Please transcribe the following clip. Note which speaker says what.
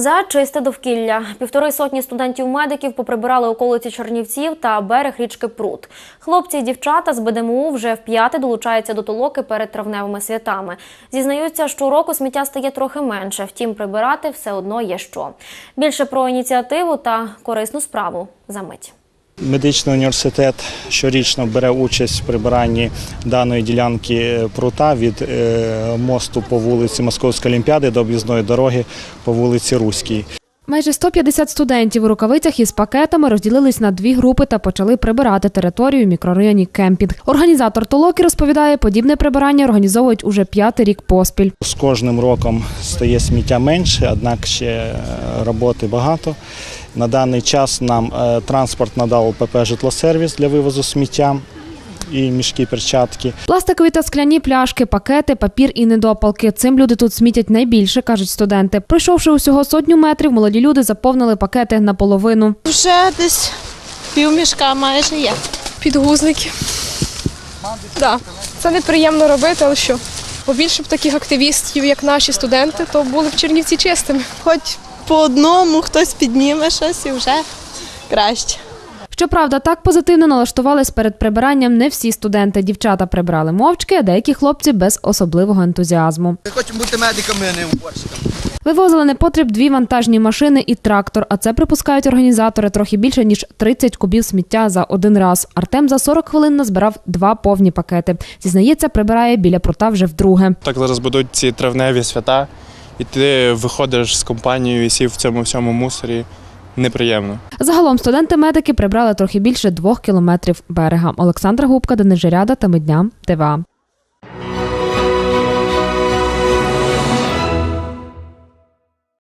Speaker 1: За чисте довкілля. 1,5 сотні студентів-медиків поприбирали околиці Чернівців та берег річки Прут. Хлопці і дівчата з БДМУ вже вп'яте долучаються до толоки перед травневими святами. Зізнаються, щороку сміття стає трохи менше, втім прибирати все одно є що. Більше про ініціативу та корисну справу за мить.
Speaker 2: Медичний університет щорічно бере участь в прибиранні даної ділянки прута від мосту по вулиці Московської Олімпіади до об'їзної дороги по вулиці Руській.
Speaker 3: Майже 150 студентів у рукавицях із пакетами розділились на дві групи та почали прибирати територію в мікрорайоні Кемпінг. Організатор толоки розповідає, подібне прибирання організовують уже 5-й рік поспіль.
Speaker 2: З кожним роком стає сміття менше, однак ще роботи багато. На даний час нам транспорт надав ПП «Житлосервіс» для вивозу сміття і мішки, перчатки.
Speaker 3: Пластикові та скляні пляшки, пакети, папір і недопалки. Цим люди тут смітять найбільше, кажуть студенти. Пройшовши усього 100 метрів, молоді люди заповнили пакети наполовину.
Speaker 4: Вже десь півмішка майже є.
Speaker 5: Підгузники. Так, це неприємно робити, але що? Побільше б таких активістів, як наші студенти, то були б Чернівці чистими.
Speaker 4: Хоч по одному хтось підніме щось і вже краще.
Speaker 3: Щоправда, так позитивно налаштувались перед прибиранням не всі студенти. Дівчата прибирали мовчки, а деякі хлопці без особливого ентузіазму.
Speaker 6: Ми хочемо бути медиками, а не уборщиками.
Speaker 3: Вивозили непотріб 2 вантажні машини і трактор, а це, припускають організатори, трохи більше, ніж 30 кубів сміття за один раз. Артем за 40 хвилин назбирав 2 повні пакети. Зізнається, прибирає біля прута вже вдруге.
Speaker 7: Так зараз будуть ці травневі свята, і ти виходиш з компанією і сів в цьому всьому мусорі. Неприємно.
Speaker 3: Загалом студенти-медики прибрали трохи більше 2 кілометрів берега. Олександра Губка, Денис Жиряда, Теми дня, ТВА.